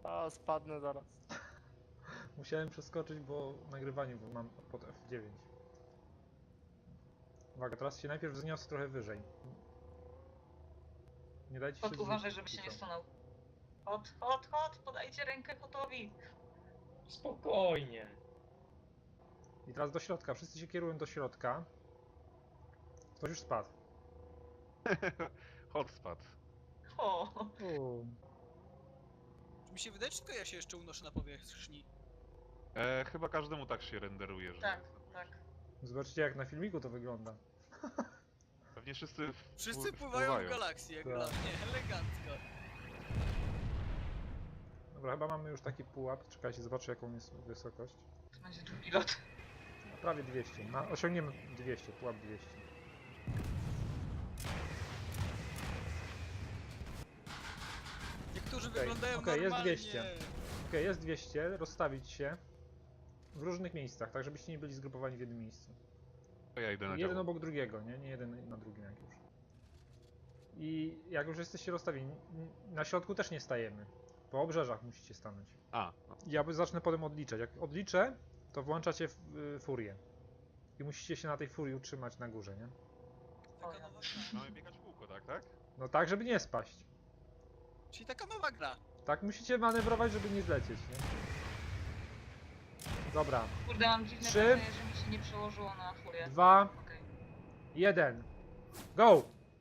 A, spadnę zaraz. Musiałem przeskoczyć, bo nagrywanie mam pod F9. Uwaga, teraz się najpierw wzniosę trochę wyżej. Nie dajcie się Uważaj, zrzucić żeby się póki nie co. stanął. Hot, podajcie rękę Hotowi. Spokojnie. I teraz do środka, wszyscy się kierują do środka. Ktoś już spadł. Hot spadł. O, Czy mi się wydaje, czy tylko ja się jeszcze unoszę na powierzchni? Chyba każdemu tak się renderuje, że... tak, tak. Zobaczcie jak na filmiku to wygląda. Pewnie wszyscy Wszyscy pływają w galakcji, jak Tak. dla mnie, elegancko. Dobra, chyba mamy już taki pułap. Czekajcie, zobaczę jaką jest wysokość. To będzie drugi lot. Prawie 200. Osiągniemy 200, pułap 200. Niektórzy Okej, wyglądają okej, jest normalnie. 200. Okej, jest 200. Rozstawić się w różnych miejscach, tak żebyście nie byli zgrupowani w jednym miejscu. To ja idę na Jeden działo. obok drugiego, nie jeden na drugim jak już. I jak już jesteście rozstawieni, na środku też nie stajemy. Po obrzeżach musicie stanąć. A, no. Ja zacznę potem odliczać. Jak odliczę, to włączacie furię. I musicie się na tej furii utrzymać na górze, nie? Taka nowa gra. Mamy biegać w kółko, tak? No tak, żeby nie spaść. Czyli taka nowa gra. Tak musicie manewrować, żeby nie zlecieć, nie? Dobra. Kurde, mam dziwne 3, wrażenie, że mi się nie przełożyło na furię. 2, Okej. 1. Go!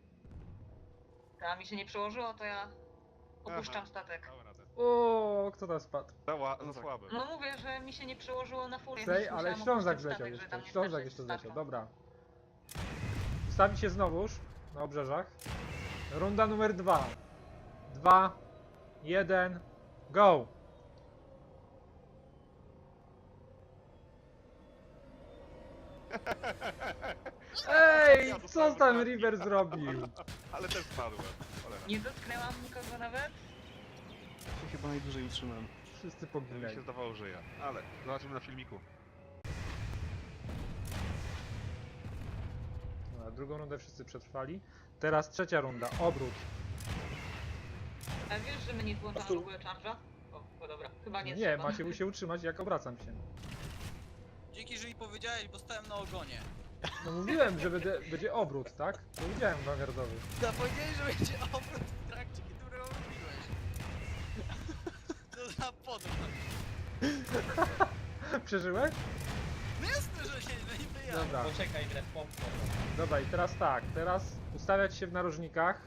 A mi się nie przełożyło, to ja opuszczam statek. Dałem radę. O, kto tam spadł? Za słabe. No mówię, że mi się nie przełożyło na furię. Sej, więc ale musiałam Ślązak opuścić zleciał statek, że jeszcze. tam nie Ślązak starczy jeszcze statku. zleciał, dobra. Ustawi się znowuż na obrzeżach. Runda numer 2. 2, 1, go! Ej, Ja co dostałem tam wypadki. River zrobił? Ale też spadłem. Cholera. Nie dotknęłam nikogo nawet? Się chyba najdłużej utrzymałem. Wszyscy Mi poginęli. się zdawało, że ja. Ale zobaczymy na filmiku. Dobra, drugą rundę wszyscy przetrwali. Teraz trzecia runda, obrót. A wiesz, że my nie włączamy w ogóle charge'a? O, dobra, chyba nie Nie, trzeba. macie się utrzymać jak obracam się. Dzięki, że mi powiedziałeś, bo stałem na ogonie. No mówiłem, że będzie obrót, tak? Powiedziałem Vanguardowy. No powiedziałeś, że będzie obrót w trakcie, który robiłeś. Co za podróż. Przeżyłeś? No jasne, że się no niby ja. Dobra, Poczekaj, popcorn. dobra i teraz tak, teraz ustawiać się w narożnikach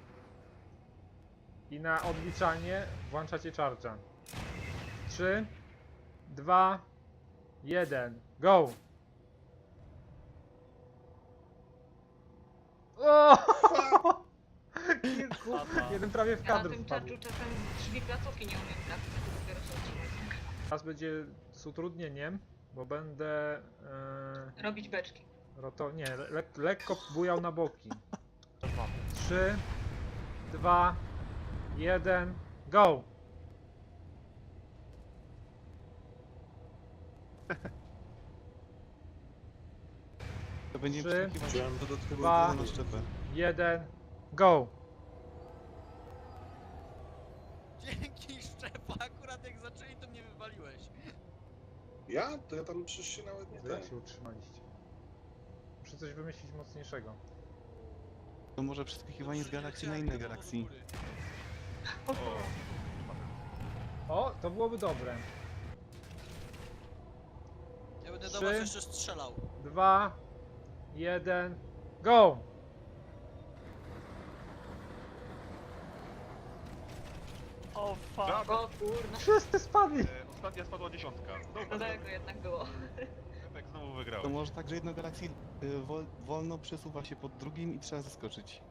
i na odliczanie włączacie charge'a. 3, 2, 1, go! O! Jeden prawie w Ja na kadr tym wpadł. charge'u czasem drzwi placówki nie umiem trafić, to dopiero się utrzymać. Teraz będzie z utrudnieniem, bo będę Robić beczki. lekko bujał na boki. 3, 2, 1, go! To będzie 3, wsłuchiwać dodatkowo 2, na szczepę. 1, go! Dzięki Szczepa, akurat jak zaczęli, to mnie wywaliłeś. Ja? To ja tam przecież się nawet nie Jak ten. się utrzymaliście? Muszę coś wymyślić mocniejszego. To może przeskakiwanie z galakcji na inne galaksji. O, to byłoby dobre. Ja będę 3, do was jeszcze strzelał. 2, 1, go! O fuck! O kurna, Wszyscy spadli! Ostatnia spadła 10. Dobra, daleko jednak było. Efekt znowu To wygrał. może tak, że jedna galaksja wolno przesuwa się pod drugim i trzeba zaskoczyć.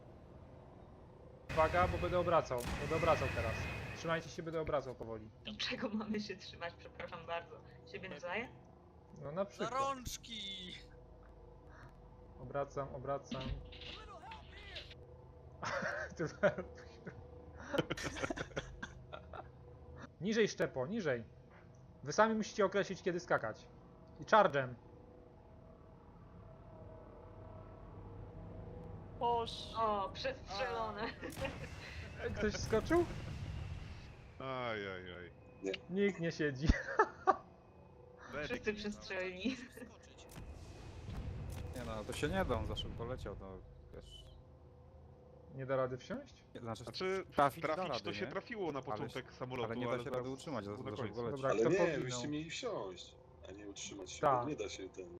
Uwaga, bo będę obracał. Będę obracał teraz. Trzymajcie się, będę obracał powoli. Czego mamy się trzymać, przepraszam bardzo. Siebie nawzajem? No na Za przykład. rączki! Obracam, obracam. Niżej szczepo, niżej. Wy sami musicie określić kiedy skakać. I charge'em. O, przestrzelone. Ktoś skoczył? Ajajaj. Nikt nie siedzi. Wszyscy przestrzelni. Skoczyć. Nie no, to się nie da, on za szybko leciał, to wiesz... Nie da rady wsiąść? Znaczy, Znaczy, trafić da trafić rady, to się nie? trafiło na początek samolotu, ale nie da się zaraz rady utrzymać, było na za końcu. szybko leci. Dobra, Ale kto nie, poginął? byście mieli wsiąść, a nie utrzymać się, Tak. bo nie da się ten...